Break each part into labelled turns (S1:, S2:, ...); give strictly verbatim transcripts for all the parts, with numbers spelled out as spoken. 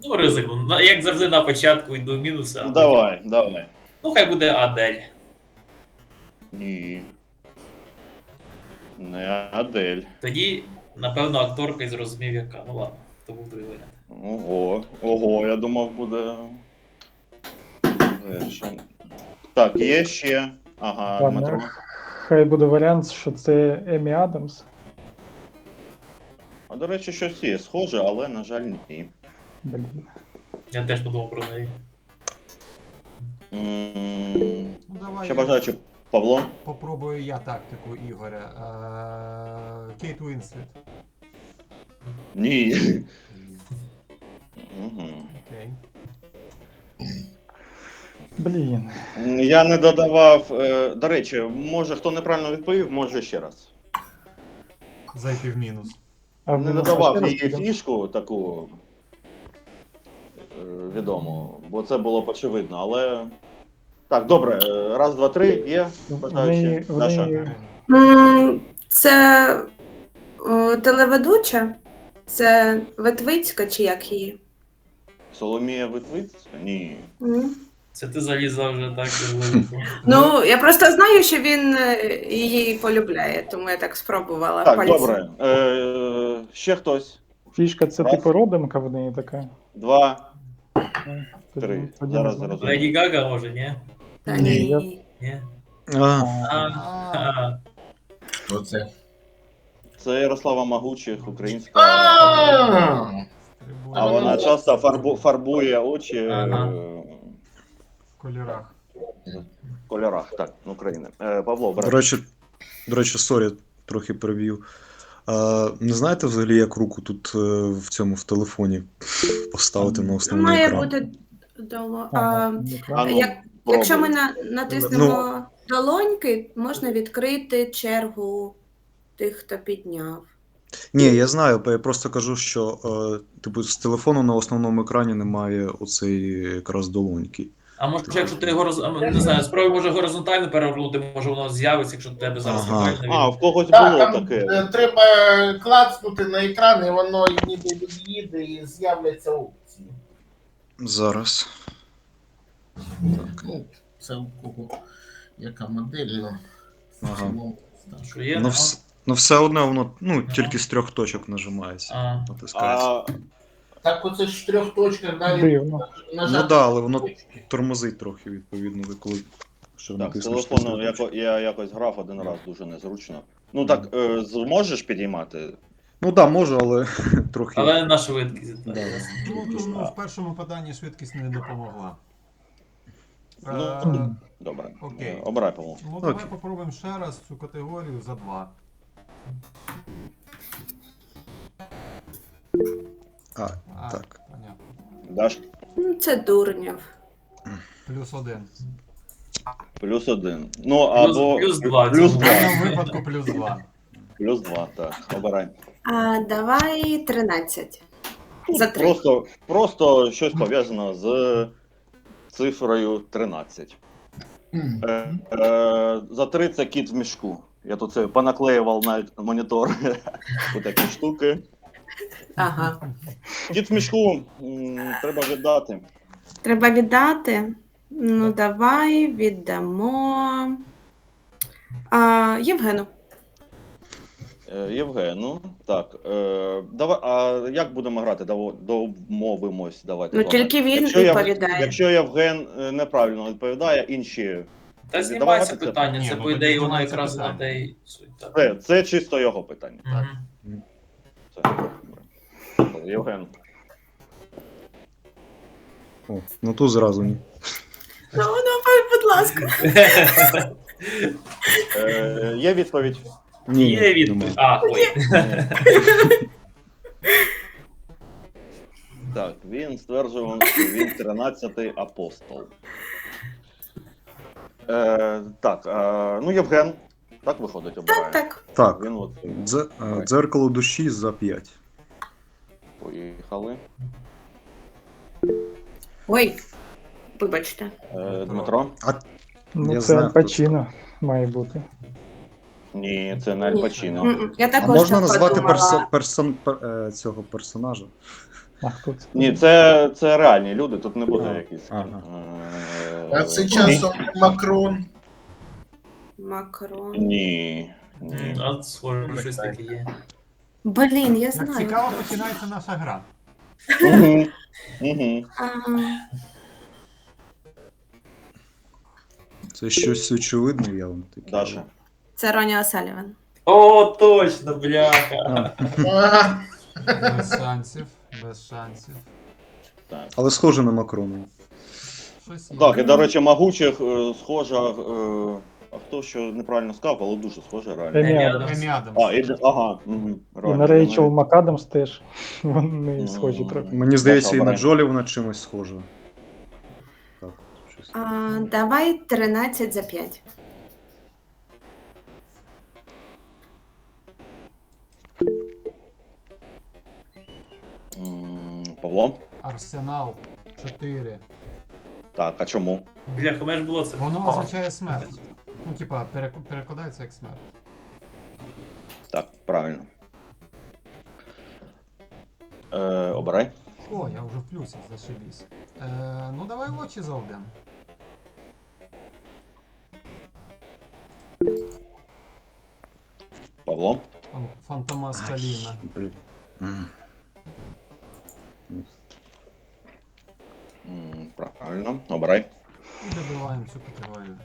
S1: Ну, ризикну. На- Як завжди на початку йду в мінуси. а
S2: Ну
S1: потім-
S2: давай, давай.
S1: Ну, хай буде Адель.
S2: Ні. Не Адель.
S1: Тоді, напевно, акторка і зрозумів, яка. Ну ладно, то був другий варіант.
S2: Ого, ого, я думав буде. Гірше. Так, є ще. Ага,
S3: Ладно,
S2: Дмитро.
S3: хай буде варіант, що це Емі Адамс.
S2: А до речі, щось є схоже, але, на жаль, ні.
S3: Блін.
S1: Я теж подумав про неї.
S2: М,
S4: Ну, давай
S2: Ще
S4: я
S2: бажаючи, Павло.
S4: попробую я тактику Ігоря. Е, Кейт Уінслет.
S2: Ні. Мгм.
S4: Окей.
S3: Блін.
S2: Я не додавав. е, До речі, може хто неправильно відповів, може ще раз.
S4: Зайти в мінус.
S3: А в
S2: Не
S3: мінус
S2: додавав
S3: ще раз
S2: її
S3: підемо?
S2: фішку таку е, відому, бо це було б очевидно, але. Так, добре, е, раз, два, три, є.
S3: Вони,
S2: Бажаючи. Даша.
S3: вони...
S5: М, Це о, телеведуча? Це Ветвицька чи як її?
S2: Соломія Витвицька? Ні.
S5: М.
S1: Це ти залізла вже так глибоко.
S5: Ну, я просто знаю, що він е, її полюбляє, тому я так спробувала.
S2: Так,
S5: пальцем.
S2: добре. Е, ще хтось.
S3: Фішка це
S2: Раз.
S3: типу родинка в неї така.
S2: Два.
S3: Тоді-
S2: Три.
S3: тоді
S2: Зараз
S3: не знаю.
S2: зрозуміло.
S1: Леді Гага, може, ні?
S5: Та
S3: Ні, я-
S5: ні.
S1: Ні?
S6: А,
S1: А,
S4: А,
S1: а,
S6: оце.
S2: Це Ярослава Магучих, українська.
S6: А,
S2: А вона часто фарбу, фарбує очі
S1: Ага.
S2: е,
S4: в кольорах.
S2: в кольорах так, України. Е, Павло,
S6: До
S2: брат.
S6: речі, до речі, сорі, трохи переб'ю. А, не знаєте взагалі, як руку тут е, в цьому в телефоні поставити на основний
S5: Має
S6: екран?
S5: бути доло. А,
S3: Ага,
S2: А ну,
S5: як, якщо ми
S2: пробуй.
S5: на, натиснемо долоньки, можна відкрити чергу тих, хто підняв.
S6: Ні, я знаю, я просто кажу, що е, типу, з телефону на основному екрані немає оцей якраз долоньки.
S1: а може, якщо ти його роз... а, не знаю, спробуй може горизонтально перевернути, може воно з'явиться, якщо в тебе зараз
S6: Ага.
S1: неправильно
S2: А,
S1: від-
S2: в когось
S7: Так,
S2: було
S7: там
S2: таке.
S7: е, треба клацнути на екран, і воно ніби від'їде і з'являться опції.
S6: Зараз. Так.
S7: Ну, це у кого яка модель, ну, в
S6: Ага.
S7: цілому, так.
S1: Що є?
S6: Ну, вс... ну все одно воно ну, тільки з трьох точок нажимається.
S1: А,
S6: Натискається.
S2: А,
S7: Так оце ж в трьох точках далі
S3: Дивно.
S7: нажати.
S6: Ну да, але воно
S7: точки.
S6: тормозить трохи, відповідно, коли що
S2: так, з
S6: натиснеш.
S2: телефону
S6: на
S2: яко, я якось грав один раз, дуже незручно. Ну так, е, зможеш підіймати?
S6: Ну так, да, можу, але трохи.
S1: але на швидкість. так.
S6: Да.
S4: Ну, тому в першому поданні швидкість не допомогла.
S2: Ну,
S4: Е,
S2: Добре.
S4: Окей.
S2: Е, Обирай, Павло.
S4: Ну, давай
S6: Окей.
S4: попробуємо ще раз цю категорію за два.
S6: А,
S4: А,
S6: так.
S4: понятно.
S2: Даш
S5: Ну, це Дурнєв.
S4: Плюс один.
S2: плюс один. Ну,
S1: Плюс-
S2: або
S1: плюс два,
S2: Плюс
S1: це
S4: В
S2: два.
S4: даному випадку плюс два.
S2: Плюс два, так. Обирай.
S5: А давай тринадцять. За три.
S2: Просто, просто щось пов'язано з цифрою тринадцять.
S7: Мгм.
S2: Е, е, за три це кіт в мішку. Я тут це понаклеював на монітор такі штуки.
S5: Ага.
S2: Кіт в мішку м, треба віддати.
S5: Треба віддати. Ну, давай віддамо. А, Євгену.
S2: Е, Євгену, так. Е, давай, а як будемо грати? Даво- Домовимось. Давайте.
S5: Ну,
S2: з вами.
S5: тільки він
S2: Якщо Єв-
S5: відповідає.
S2: Якщо Євген е, неправильно відповідає, інші.
S1: Та
S2: Віддавати
S1: знімається
S2: це?
S1: питання,
S4: Ні,
S1: це
S4: ну,
S1: по
S4: тоді
S1: ідеї воно
S4: знімається
S1: якраз на
S4: питання.
S1: те й суть. так.
S2: Це, це чисто його питання. Так.
S1: Мгм.
S2: Все, добре. Євген.
S6: О, ну тут зразу ні.
S5: Ну, давай, будь ласка.
S2: Е, є відповідь?
S6: Ні,
S1: Є відповідь.
S6: немає.
S1: А, ой.
S2: Так, він стверджував, що він тринадцятий апостол. Е, так, е, ну Євген, так виходить, обирає.
S5: Так.
S6: Так,
S2: Він от
S6: дзе- е, дзеркало душі за п'ять.
S2: поїхали.
S5: Ой, вибачте.
S2: Е, Дмитро?
S3: Ну,
S6: Я
S3: це
S6: знаю,
S3: Аль
S6: хто
S3: Пачіно має бути.
S2: Ні, це не Аль
S5: Ні.
S2: Пачіно.
S5: М-м, Я
S6: А
S5: також
S6: можна
S5: так
S6: назвати
S5: подумала.
S6: персон, персон, пер, е, цього персонажа?
S3: А хто це?
S2: Ні, це, це реальні люди, тут не буде
S6: А,
S2: якісь.
S6: ага.
S2: е,
S7: А це часом Макрон.
S5: Макрон.
S2: Ні.
S1: М,
S2: Ні.
S1: А схоже, щось таке є.
S5: Блін, я
S4: Як
S5: знаю.
S4: цікаво починається наша гра.
S2: Угу. Угу.
S5: Ага.
S6: Це щось очевидне, я вам таке.
S2: Даша.
S5: Це Роні О'Саліван.
S1: О, точно, бляха.
S6: А,
S7: А,
S4: Без шансів, без шансів.
S2: Так.
S6: але схоже на Макрона.
S4: Щось є.
S2: Так, і до речі, могучих е, схожа. Е, а хто що неправильно сказав, але дуже схоже реально.
S3: Емі
S1: Емі
S3: Адамс.
S4: Емі Адамс.
S2: А, і, ага. Угу.
S3: І на Рейчел МакАдамс теж. Вони схожі
S2: Ну,
S3: трохи.
S6: Мені здається, і на
S2: обирай.
S6: Джолі вона чимось схожа. Так, щось.
S5: А, давай тринадцять за п'ять.
S2: Павло?
S4: Арсенал чотири.
S2: Так, а чому?
S1: Бляха, у мене ж було це.
S4: Воно означає смерть. Ну, типа, перек- перекладається як смерть.
S2: Так, правильно. Е, обирай.
S4: О, я вже в плюсі, зашибісь. Е, ну давай очі заведемо.
S2: Павло.
S4: Фан- Фантома Скаліна.
S6: Блін. М.
S2: М, Правильно, обирай.
S4: І добиваємо цю категорію.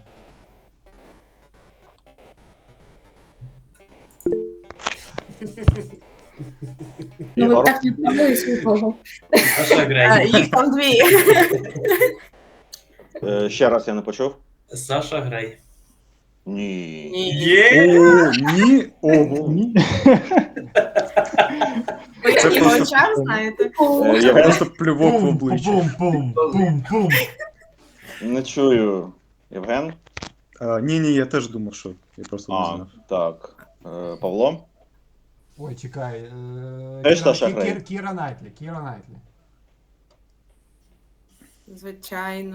S5: Ну,
S2: Ігор.
S5: ви так не подивись нікого.
S1: Саша
S5: А,
S1: Грей.
S5: їх там дві.
S2: Е, ще раз я не почув.
S1: Саша Грей.
S2: Ні.
S1: Є!
S6: О, ні! Ого!
S3: Ні.
S5: Ви
S6: Це
S5: як його
S6: просто-
S5: очам знаєте?
S2: Е,
S6: Це
S2: я
S6: просто плювок в обличчя.
S4: Пум, пум, пум, пум.
S2: не чую. Євген?
S6: А, ні, ні, я теж думав, що. Я просто не
S2: А,
S6: знав.
S2: так. Е, Павло?
S4: Ой, чекай. е,
S2: Теж
S4: Кіра-
S2: Саша
S4: Кі-
S2: Грей?
S4: Кір- Кіра Найтлі, Кіра Найтлі.
S5: Звичайно.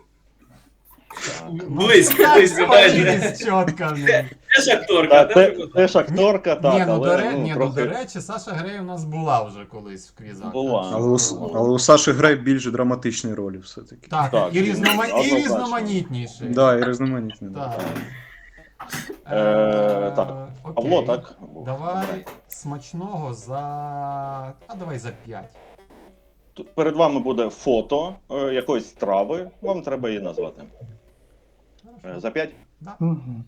S1: Близько, близько, майже.
S4: Почись чітко в неї.
S1: Теж акторка,
S2: Так, це,
S1: теж
S2: це ж акторка, так,
S4: Ні, ну, до,
S2: але
S4: ре...
S2: ну,
S4: Ні, ну,
S2: трохи...
S4: до речі, Саша Грей у нас була вже колись в квізах.
S2: Була.
S4: так що-
S6: Але у, але у Саші Грей більш драматичні ролі все-таки.
S4: Так,
S2: Так,
S4: і, різнома... і
S2: однозначно.
S4: різноманітніший.
S6: Да, і різноманітні. Да.
S4: Так.
S2: Е, так,
S4: окей.
S2: Павло, так?
S4: Давай смачного за. А давай за п'ять.
S2: Тут перед вами буде фото е, якоїсь страви, вам треба її назвати. Е, за п'ять?
S4: Да.
S3: Мгм.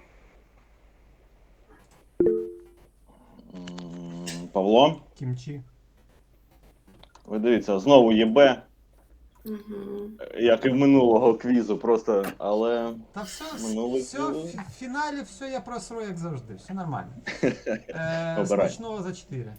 S2: М, Павло,
S4: Кімчі.
S2: ви дивіться, знову єбе,
S5: Угу.
S2: як і в минулого квізу, просто, але
S4: Та все,
S2: Минулий
S4: все,
S2: квіз.
S4: в в фіналі все я просру, як завжди, все нормально. Е,
S2: Обирай.
S4: смачного за чотири.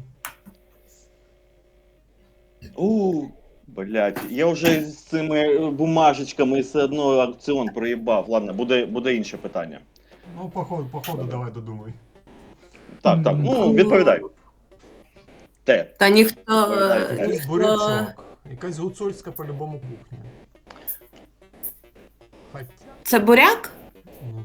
S2: У, блядь, я вже з цими бумажечками все одно аукціон проїбав. Ладно, буде, буде інше питання.
S4: Ну, походу, походу, давай додумай.
S2: Так, так, ну відповідай. Те.
S5: Та ніхто.
S2: Ой,
S5: е,
S4: Якийсь
S5: ніхто...
S4: бурячок. Якась гуцульська по-любому кухня. Хоча.
S5: Це буряк?
S4: Ну,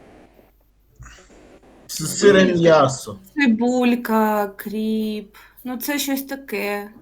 S7: з сирим м'ясо.
S5: Цибулька, кріп. Ну, це щось таке.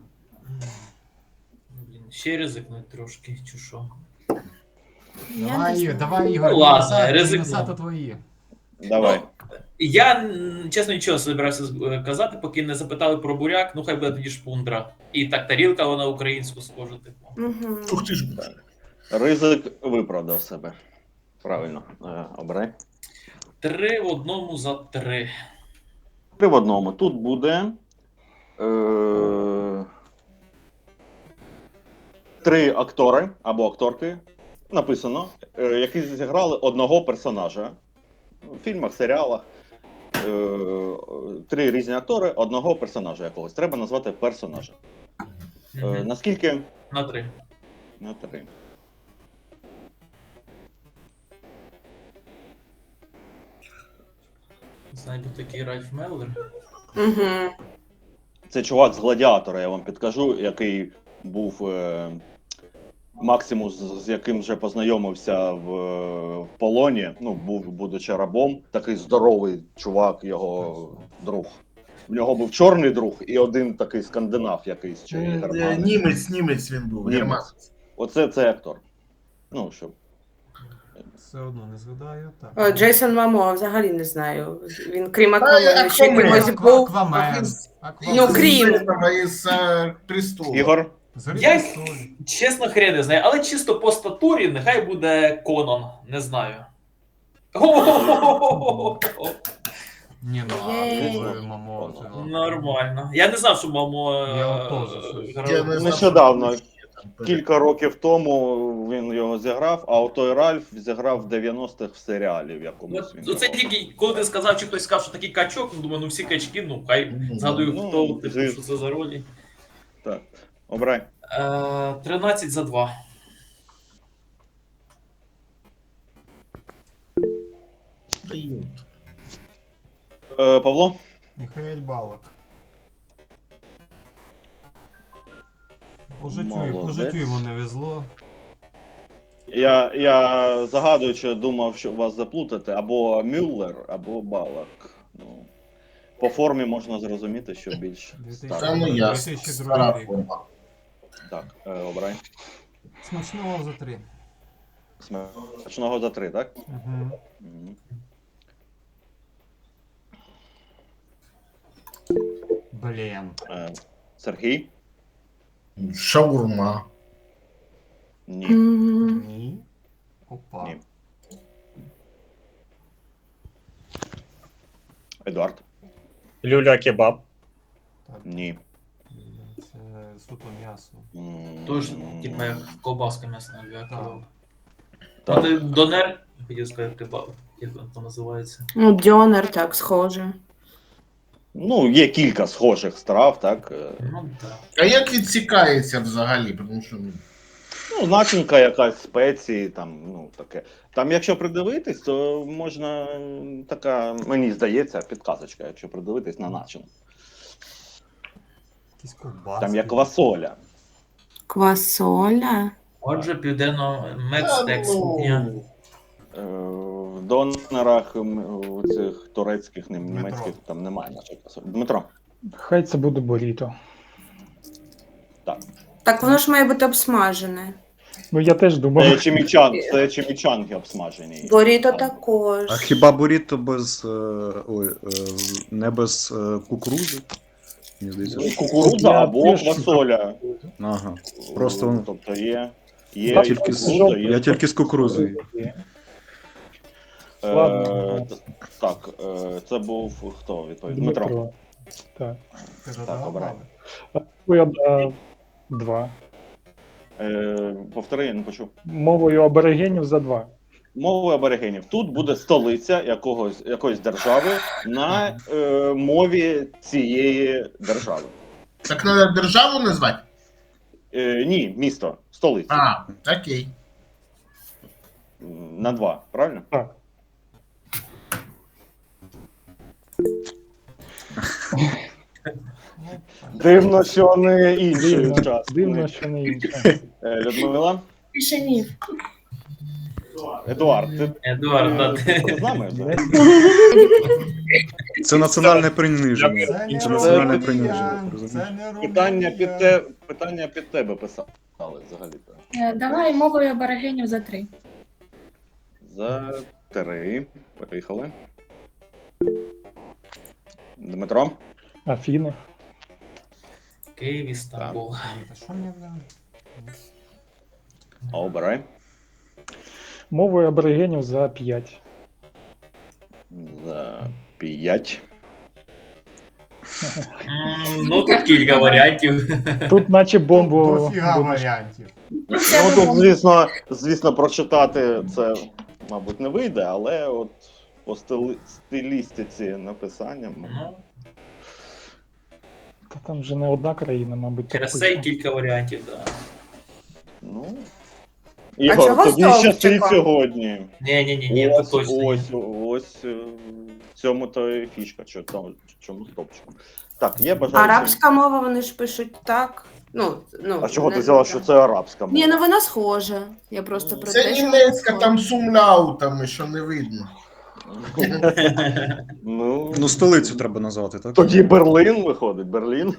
S1: Блін, ще ризикнуть трошки, чи що.
S5: Я не
S4: Давай,
S5: знаю.
S4: давай, Ігор,
S1: Ну, ладно,
S4: мінуса-
S1: ризикну.
S4: мінуса то твої.
S2: Давай.
S1: Я, м, чесно, нічого не збирався е, казати, поки не запитали про буряк, ну хай буде тоді шпундра. І так тарілка, вона українську схожа, типу.
S5: Угу.
S7: Ух ти ж.
S2: Ризик виправдав себе. Правильно. Е, обирай.
S1: Три в одному за три.
S2: Три в одному. Тут буде. Е, три актори або акторки. Написано, е, які зіграли одного персонажа. В фільмах, серіалах. Е, три різні актори одного персонажа якогось. Треба назвати персонажа. Е,
S1: Мгм.
S2: наскільки?
S1: На три.
S2: На три.
S1: Знайду такий Ральф Меллер.
S5: Угу.
S2: Це чувак з Гладіатора, я вам підкажу, який був е, Максимус, з яким вже познайомився в, в полоні. Ну, був, будучи рабом, такий здоровий чувак, його друг. В нього був чорний друг і один такий скандинав якийсь чи
S7: Е,
S2: германець.
S7: Німець, німець він був,
S2: Німець.
S7: германець.
S2: Оце це актор. Ну, що.
S4: Все одно не згадаю. Так.
S5: О, Джейсон Мамо, взагалі не знаю. Він крім
S7: А,
S5: Аквамена ще
S7: Аквамен.
S5: кимось
S4: Аква-
S5: був.
S4: Аквамен.
S7: А
S5: Ну,
S4: Аквамен.
S5: крім.
S7: Із е, престолу.
S2: Ігор,
S4: Зорі
S1: Я-
S4: престолів.
S1: Чесно, хрен не знаю, але чисто по статурі нехай буде Конон, не знаю. О-о-о-о-о-о-о.
S4: Ні, ну,
S5: Єй.
S4: а мамо. це ладно.
S1: Нормально. Я не знав, що мамо.
S4: Я
S1: е,
S4: от теж щось.
S1: грав.
S7: Я не знав,
S2: Нещодавно,
S7: що там перед-
S2: кілька років тому він його зіграв, а отой Ральф зіграв в дев'яностих в серіалі в якомусь. він
S1: От, оце
S2: його.
S1: тільки, коли ти сказав, чи хтось сказав, що такий качок, ну думаю, ну всі качки, ну хай згадую,
S2: Ну,
S1: хто, типу,
S2: звісно.
S1: що це за ролі.
S2: Так. Обрай.
S1: Е, тринадцять за два.
S7: Приют.
S2: Е, Павло?
S4: Михаель Балак. По життю, по
S2: Молодець.
S4: життю йому не везло.
S2: Я, я загадуючи думав, що вас заплутати або Мюллер, або Балак. Ну, по формі можна зрозуміти, що більш
S4: Дві тисячі.
S7: Та
S2: старий.
S7: ну ясно.
S4: дві тисячі
S7: Стара
S4: другий рік.
S7: форма.
S2: Так, е, обрай.
S4: Смачного за три.
S2: Смачного за три, так?
S4: Угу.
S2: Мгм.
S4: Блін.
S2: Е, Сергій?
S7: Шаурма.
S2: Ні.
S5: М,
S4: Ні. Опа.
S2: Ні. Едуард?
S8: Люля кебаб.
S4: Так,
S2: Ні.
S4: це суто м'ясо.
S2: М,
S1: Тож, типу, як ковбаска м'ясна, як
S4: Так.
S1: кебаб.
S2: Так.
S1: А ти донер, хотів сказати кебаб, як він там називається.
S5: Ну, дьонер, так, схоже.
S2: Ну, є кілька схожих страв, так? Е,
S1: Ну так.
S7: А як відсікається взагалі? Тому що ну,
S2: Ну, начинка якась спеції, там, ну, таке. Там, якщо придивитись, то можна м, така, мені здається, підказочка, якщо придивитись на начинку.
S4: Якісь ковбаски.
S2: Там є квасоля.
S5: Квасоля.
S1: Отже, південно
S7: та,
S1: медстекс
S7: ну,
S1: кухня.
S2: Е, В донорах м, у цих турецьких, нем-
S4: Дмитро.
S2: німецьких, там немає нашої квасолі. Дмитро.
S3: Хай це буде буріто.
S2: Так.
S5: Так воно ж має бути обсмажене.
S3: Ну я теж
S2: Це
S3: думав.
S2: чимічан, це чимічанги обсмажені.
S5: Боріто
S2: Там.
S5: також.
S6: А хіба буріто без. е, Ой, е, не без е, кукурузи? Мені здається,
S2: Ну,
S6: що.
S2: Кукурудза
S3: Я
S2: або
S3: теж-
S2: квасоля.
S6: Ага. Просто воно-
S2: Тобто є. Є
S3: Я
S2: і
S3: тільки
S6: з-
S2: кукурудза, є
S6: Я тільки з кукурузою.
S2: Е,
S3: Ладно.
S2: т- Так, е, це був хто відповідь? Дмитро.
S3: Дмитро. Так.
S4: Ти
S2: Так,
S4: додав
S2: обирай.
S4: бали?
S3: Я дав два.
S2: Е, Повтори, я не почув.
S3: Мовою аборигенів за два.
S2: Мовою аборигенів. Тут буде столиця якогось, якоїсь держави на е, мові цієї держави.
S7: так треба державу назвати?
S2: Е, ні, місто, столиця.
S7: А, окей.
S2: М, На два, правильно?
S3: Так.
S4: Ну, так.
S2: Дивно, що не інший
S3: Дивно,
S2: учасник.
S3: дивно, що не інше.
S2: Е, Людмила?
S5: Пішенів.
S2: Едуард, ти,
S1: Едуард, да,
S2: ти
S1: ти.
S2: з нами вже?
S6: Це національне приниження.
S4: Це не
S6: Це національне
S4: Румунія,
S6: приниження. ти розумієш?
S4: це не Румунія.
S2: Питання під, те, питання під тебе писали взагалі-то.
S9: Е, Давай мовою аборигенів за три.
S2: За три. Поїхали. Дмитро?
S3: Афіни.
S1: Київ, Істамбул.
S4: Та що мені там?
S2: А обирай.
S3: Мовою аборигенів за п'ять.
S2: За п'ять.
S1: М, Ну, тут кілька варіантів.
S3: Тут наче бомбу.
S4: Дофіга
S3: будеш-
S4: варіантів.
S2: Ну тут, звісно, звісно, прочитати це, мабуть, не вийде, але от по стили... стилістиці написання.
S1: Ну,
S3: Та там вже не одна країна, мабуть. так
S1: через це й
S3: пише.
S1: кілька варіантів, так.
S2: Ну.
S5: А
S2: Ігор,
S5: чого
S2: тобі
S5: стовпчиком?
S2: щастить сьогодні.
S1: Ні, ні, ні, ні,
S2: ось,
S1: тут точно. ні.
S2: ось, ось, е, в цьому то і фішка, що там, чому стопчиком. Так, є бажаючі.
S5: Арабська мова, вони ж пишуть так. Ну, ну,
S2: А чого
S5: не-
S2: ти взяла, що це арабська мова?
S5: Ні, ну вона схожа. Я просто про
S7: Це
S5: те, що
S7: німецька,
S5: вона
S7: там сумляутами, що не видно.
S2: Ну,
S6: Ну, столицю треба назвати, так?
S2: тоді Берлин виходить, Берлін.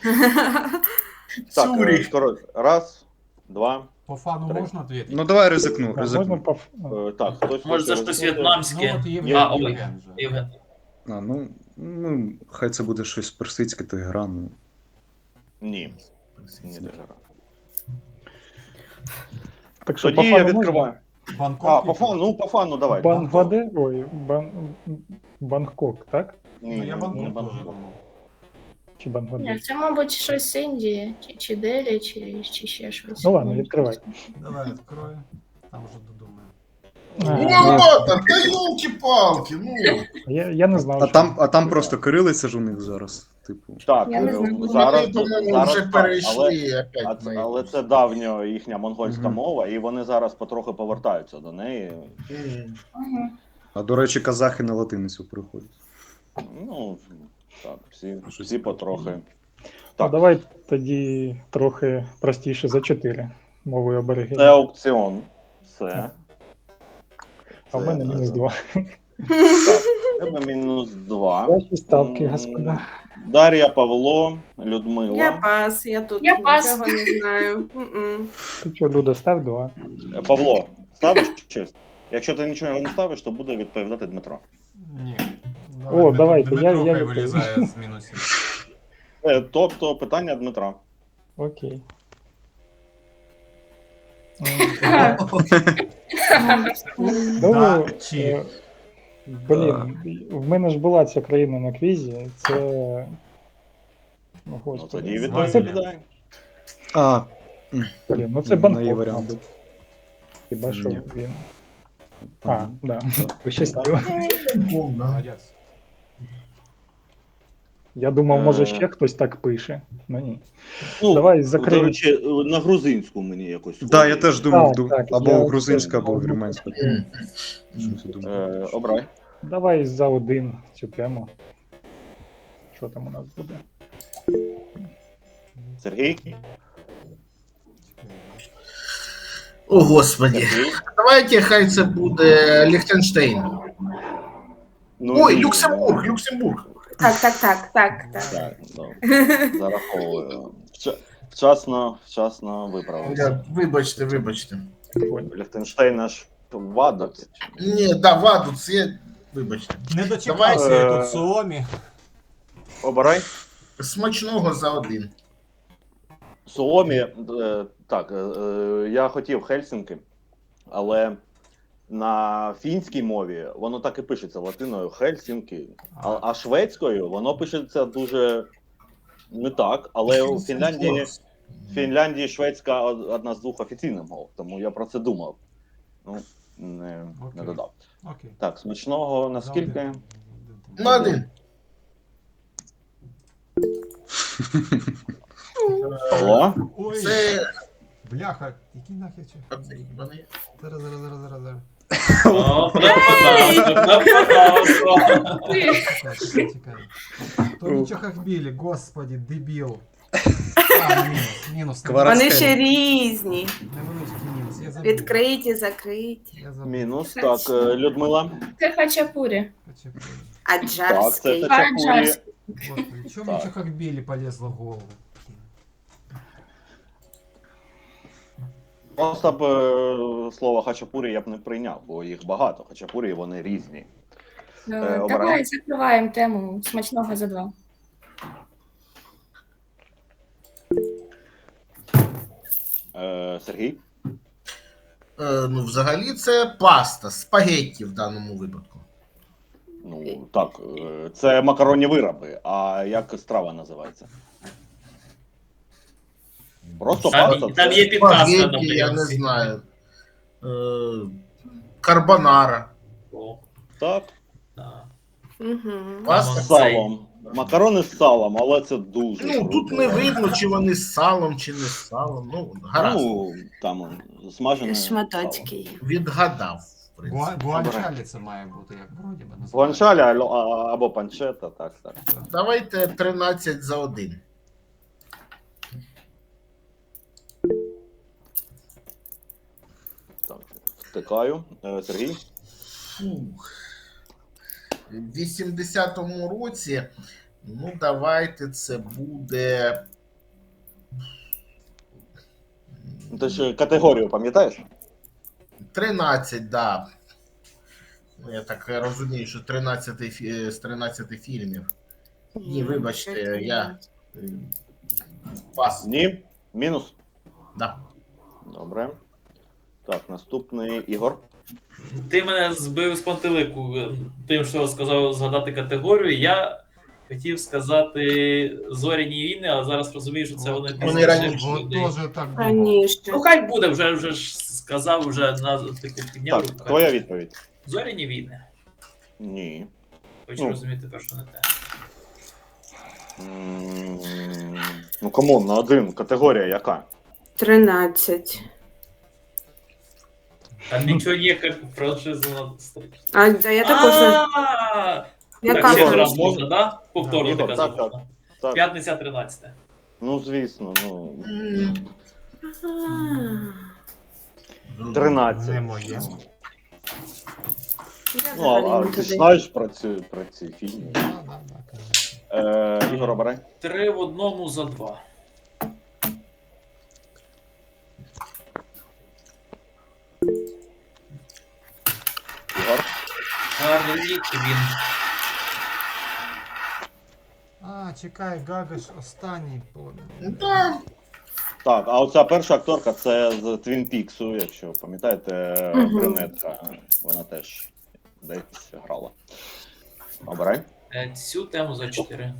S2: Так, е,
S7: Цюріх.
S2: скоро. Раз, два.
S4: По фану
S2: Три.
S4: можна відповідати?
S6: Ну, давай ризикну,
S3: Да, можна
S6: ризикну.
S3: по... ф-
S2: Е, Так, хтось
S1: Може, це
S2: хоче
S1: щось
S2: ризикнути?
S1: в'єтнамське.
S4: Ну, от Євген,
S1: А, ой.
S4: Євген вже.
S1: Євген.
S6: А, ну, ну, хай це буде щось персидське, то гра, ну.
S2: Ні. Ні, дуже рано.
S3: Так що, по
S2: Тоді я
S3: фану можна?
S2: відкриваю.
S4: Бангкок.
S2: А, по фану, ну по фану давай.
S3: Бангладе? Ой, Бан... Бангкок, так?
S2: Ні,
S4: Ну, я
S2: ні,
S4: Бангкок
S2: не
S4: теж
S2: Бангкок.
S4: думав.
S3: Чи
S9: Ні,
S3: Бангладеш?
S9: це, мабуть, щось з Індії, чи, чи Делі, чи, чи ще щось.
S3: Ну ладно, відкривай.
S4: Давай відкрою. Там вже додумаю.
S3: А,
S7: Ну,
S3: ну,
S7: ладно, та ёлки-палки, ну.
S3: я, я не знав,
S6: А
S3: що-
S6: там, а там просто кирилиця ж у них зараз. Типу.
S2: Так,
S9: Я не
S2: е,
S9: знаю.
S2: зараз,
S7: Вони, по-моєму,
S2: зараз
S7: вже
S2: так, але,
S7: перейшли
S2: а
S7: опять
S2: це-
S7: на
S2: але
S7: якусь.
S2: це давньо їхня монгольська
S6: Мгм.
S2: мова, і вони зараз потроху повертаються до неї.
S7: М.
S9: Ага.
S6: А до речі, казахи на латиницю приходять.
S2: Ну, так, всі, всі потрохи.
S3: Ну,
S2: Так,
S3: давай тоді трохи простіше за чотири мовою
S2: це
S3: аборигенів.
S2: аукціон. Все.
S3: А в мене
S2: Це-
S3: мінус два.
S2: Так, в тебе мінус два.
S3: Ваші ставки,
S2: М,
S3: господа.
S2: Дар'я, Павло, Людмила.
S5: Я пас, я тут
S9: Я пас.
S5: нічого не знаю. М-м.
S3: Ти що, Люда, став два.
S2: Е, Павло, ставиш честь? Якщо ти нічого не ставиш, то буде відповідати Дмитро.
S4: Ні.
S3: О, давайте,
S4: Дмитро
S3: я- я
S4: хай
S3: відповім.
S4: вилізає з мінусів.
S2: Е, Тобто питання Дмитра.
S3: Окей. Ну,
S4: Да, чи.
S3: е, блін, в мене ж була ця країна на квізі. Це. Ну,
S2: Ну тоді
S3: господи.
S2: відповідай.
S6: А,
S3: Блін, ну це
S6: Ну,
S3: Бангкок,
S6: є варіант.
S3: мабуть. Хіба що
S6: Ні.
S3: він. А, да. Пощастило.
S4: Молодець.
S3: Я думав, може
S2: Е.
S3: ще хтось так пише. Ну ні.
S2: Ну,
S3: Давай
S2: до
S3: закриємо.
S2: речі, на грузинську мені якось.
S6: так, да, я
S2: схоже.
S6: теж думав,
S3: Так,
S6: ду-
S3: так,
S6: або
S3: я-
S6: грузинська, або вірменська.
S7: М.
S6: Щось я думав.
S2: Е, Обрай.
S3: Давай за один цю тему. Що там у нас буде?
S2: Сергій.
S7: О, господи.
S2: Сергій.
S7: Давайте хай це буде Ліхтенштейн.
S2: Ну,
S7: Ой,
S2: ні,
S7: Люксембург, Люксембург.
S5: Так, так, так, так, так.
S2: Так, добре. Зараховую. Вча- Вчасно, вчасно виправився.
S7: Я- Вибачте, вибачте.
S2: Ліхтенштейн аж вадить.
S7: Ні, да, ваду, це. Вибачте.
S4: Не дочекався
S2: Давай,
S4: я
S2: е,
S4: тут Суомі.
S2: Обирай.
S7: Смачного за один.
S2: Суомі, е, так, е, е, я хотів Хельсінки, але на фінській мові воно так і пишеться латиною Хельсінки, а, а шведською воно пишеться дуже не так, але у Фінляндії, в Фінляндії шведська одна з двох офіційних мов, тому я про це думав. Ну, не, не
S4: Окей.
S2: додав.
S4: Окей.
S2: Так, смачного наскільки?
S4: За один.
S7: На один.
S2: Павло?
S4: Ой,
S7: Це.
S4: бляха, який нахер чи?
S7: Вони-
S4: Зараз, зараз, зараз, зараз, зараз.
S1: О, нападав, нападав.
S4: Чекай, чекай, чекай. То нічого хахбілі, господі, дебіл. А, мінус, мінус.
S6: Квара-
S5: Вони
S6: Розкажи.
S5: ще різні.
S4: Невеличкий мінус, я забув.
S5: Відкриті, закриті.
S4: Я забув.
S2: Мінус. Так, е, Людмила.
S9: Це хачапурі.
S4: Почекай.
S2: Так, це
S5: Аджарський.
S2: Хачапурі.
S9: Аджарський.
S4: Господи, чому мені чахахбілі полезло в голову?
S2: Просто б е, слово хачапурі я б не прийняв, бо їх багато. Хачапурі вони різні.
S9: Е,
S2: обирай.
S9: Давай закриваємо тему смачного за два.
S2: Е, Сергій.
S7: Е, ну, взагалі, це паста, спагетті в даному випадку.
S2: Ну так, е, це макаронні вироби. А як страва називається? Просто
S1: Там,
S2: паста.
S1: там
S2: це-
S1: є підказка на
S7: Спагетті, я не
S1: прийомці.
S7: знаю. Е, карбонара.
S1: О,
S2: Так,
S1: да.
S5: Угу.
S2: з
S7: Паста.
S2: салом. Макарони з салом, але це дуже.
S7: Ну,
S2: круто.
S7: тут не видно, чи вони з салом, чи не з салом. Ну, гаразд.
S2: Ну, там он, смажене. сало.
S5: Шматочки є.
S7: Відгадав, в принципі.
S4: Гуа- Гуанчалі це має бути, як вроді би називається.
S2: Гуанчаля ало- а- або панчета, так, так.
S7: Давайте тринадцять за один.
S2: Так, втикаю. Е, Сергій.
S7: Фух. в вісімдесятому році, ну давайте це буде.
S2: Ти ж категорію пам'ятаєш?
S7: тринадцять, да. Ну, я так розумію, що тринадцять фі- з тринадцяти фільмів. Ні, вибачте, я е, пас.
S2: Ні. Мінус.
S7: Да.
S2: Добре. Так, наступний Ігор.
S1: Ти мене збив з пантелику тим, що сказав згадати категорію. Я хотів сказати зоряні війни, а зараз розумію, що це вони
S7: Вони раніше.
S4: Вот тоже так думал.
S5: Раніше.
S1: Ну хай буде, вже вже ж сказав, вже на типу підняв.
S2: Так,
S1: руку.
S2: твоя відповідь.
S1: Зоряні війни.
S2: Ні.
S1: Хочу
S2: Ну.
S1: розуміти, те, що не те.
S2: М, Ну, камон, на один. Категорія яка?
S5: тринадцять.
S1: Там нічого є, як франшизу на стрічці.
S5: А, да, я також. не-
S1: А,
S5: Яка
S1: Так, ще
S2: Ігор,
S1: раз
S5: франшиза?
S1: можна, да? Повторно
S2: Ігор,
S1: ти
S2: так,
S1: казав.
S2: так. Так.
S1: П'ятниця тринадцяте.
S2: Ну, звісно, ну.
S7: М,
S5: А,
S2: тринадцять.
S4: Не моє.
S5: я
S2: Ну, а,
S5: взагалі
S2: а
S5: не
S2: ти ж
S5: туди.
S2: знаєш про ці, про ці фільми?
S4: Да, да, да, конечно.
S2: Е, Ігор, обирай.
S1: Три в одному за два.
S2: Ігор.
S1: Харлі Квін.
S4: А, чекай, Гага ж останній понял.
S7: Да.
S2: Так, а оця перша акторка це з Твін Піксу, якщо пам'ятаєте,
S5: Мгм.
S2: брюнетка. Вона теж десь грала. Обирай.
S1: Е, Цю тему за чотири.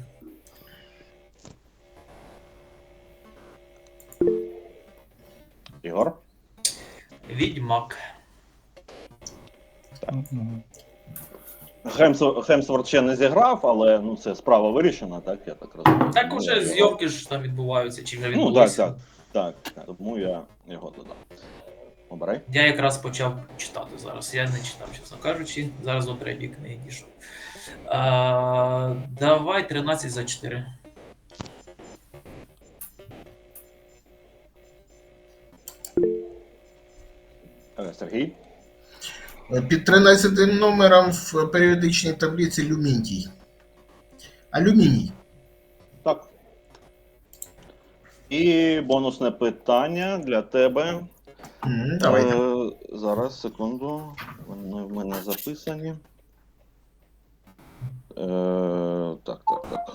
S2: Ігор.
S1: Відьмак.
S3: Мгм.
S2: Хемсворт, Хемсворт ще не зіграв, але ну, це справа вирішена, так? Я так розумію.
S1: Так
S2: Тому
S1: уже
S2: я його-
S1: зйомки ж там відбуваються, чи вже
S2: Ну, так,
S1: відбулися.
S2: так. Так, так. Тому я його додав. Обирай.
S1: Я якраз почав читати зараз. Я не читав, чесно кажучи. Зараз до третьої книги дійшов. А, давай тринадцять за чотири.
S2: Е, Сергій.
S7: Під тринадцятим номером в періодичній таблиці Люмінтій. Алюміній.
S2: Так. І бонусне питання для тебе.
S7: М, Давайте.
S2: Е, зараз, секунду. Вони в мене записані. Е, так, так, так.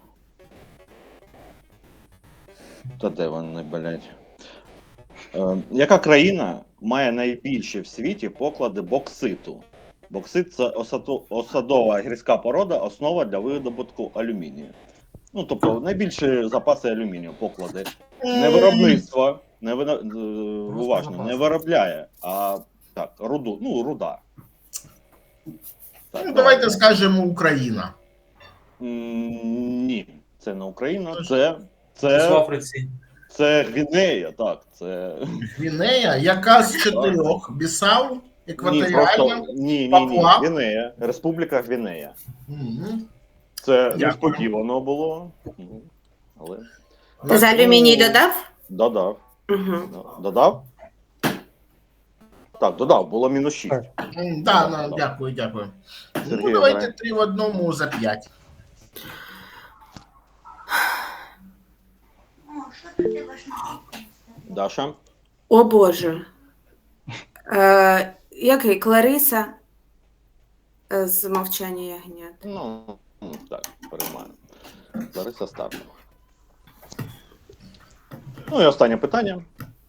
S2: Та де вони, блядь? Е, яка країна має найбільші в світі поклади бокситу? Боксит це осаду- осадова гірська порода, основа для видобутку алюмінію. Ну, тобто, найбільші запаси алюмінію, поклади. Не виробництво, не вина... е, уважно,
S4: запас.
S2: не виробляє, а так, руду, ну, руда. Так,
S7: Ну, давайте скажемо Україна.
S2: М, Ні, це не Україна,
S7: Тож-
S2: це,
S1: Це в
S2: це,
S1: Африці.
S2: це Гвінея, так, це...
S7: Гвінея, яка з чотирьох? Бісау,
S2: Ні,
S7: екваторіальна.
S2: просто, ні, ні, ні,
S7: Папуа?
S2: Гвінея, Республіка Гвінея.
S7: Мгм.
S2: Це
S7: Дякую.
S2: несподівано було, ну, але
S5: Ти за алюміній додав?
S2: додав.
S5: Угу.
S2: Додав? Так, додав, було мінус шість.
S3: Так.
S7: М, Да, ну, дякую, дякую.
S2: Сергій,
S7: Ну, давайте
S2: обирай.
S7: три в одному за п'ять.
S2: Даша?
S5: О Боже. Е, який? Клариса е, з мовчання ягнят.
S2: Ну, м, так, переймаю. Лариса Старкова. Ну і останнє питання.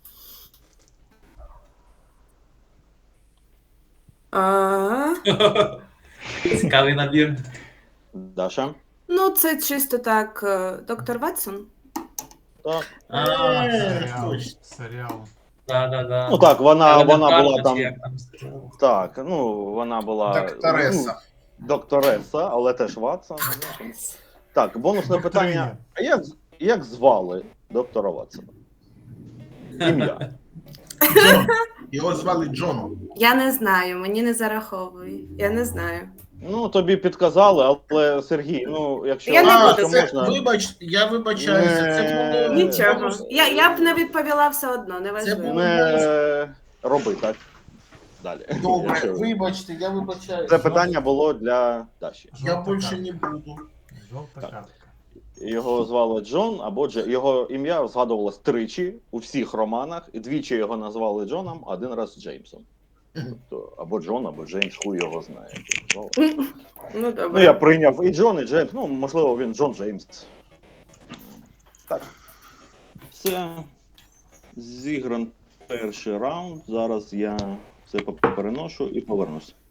S5: А,
S1: Цікавий набір.
S2: Даша?
S5: ну, це чисто так. е, Доктор Ватсон.
S2: Так.
S1: А,
S7: Е,
S4: Серіал.
S7: точно.
S4: Серіал.
S1: да, да, да.
S2: Ну так, вона, вона
S1: Елементарно,
S2: була
S1: чи
S2: там.
S1: як там сказали.
S2: Так, ну вона була.
S7: Доктореса.
S2: ну, Доктореса, але теж Ватсон. Так, бонусне
S4: Доктриня.
S2: питання. А як, як звали доктора Ватсона? Ім'я.
S7: Джон. Його звали Джон.
S5: Я не знаю, мені не зараховує. Я не знаю.
S2: Ну, тобі підказали, але Сергій, ну, якщо,
S5: Я не
S7: А,
S5: буду.
S2: якщо
S7: це,
S2: можна.
S7: вибач, я вибачаюся. Це
S2: Не-
S7: буде
S5: Нічого.
S7: бонус.
S5: Я, я б не відповіла все одно, не важливо.
S7: було-
S2: Не роби так. далі.
S7: Добре,
S2: Якщо-
S7: вибачте, я вибачаю.
S2: Це питання було для Даші.
S7: Я
S4: Жовта
S7: більше
S4: картка.
S7: не буду.
S4: Жовта
S2: Так.
S4: картка.
S2: Його звали Джон або Дже. Його ім'я згадувалось тричі у всіх романах, і двічі його назвали Джоном, а один раз Джеймсом. Тобто або Джон, або Джеймс, хуй його знає. як його звали.
S5: Ну,
S2: Ну,
S5: добре.
S2: я прийняв і Джон, і Джеймс. Ну, можливо, він Джон Джеймс. Так. Це зігран перший раунд. Зараз я це переношу і повернусь.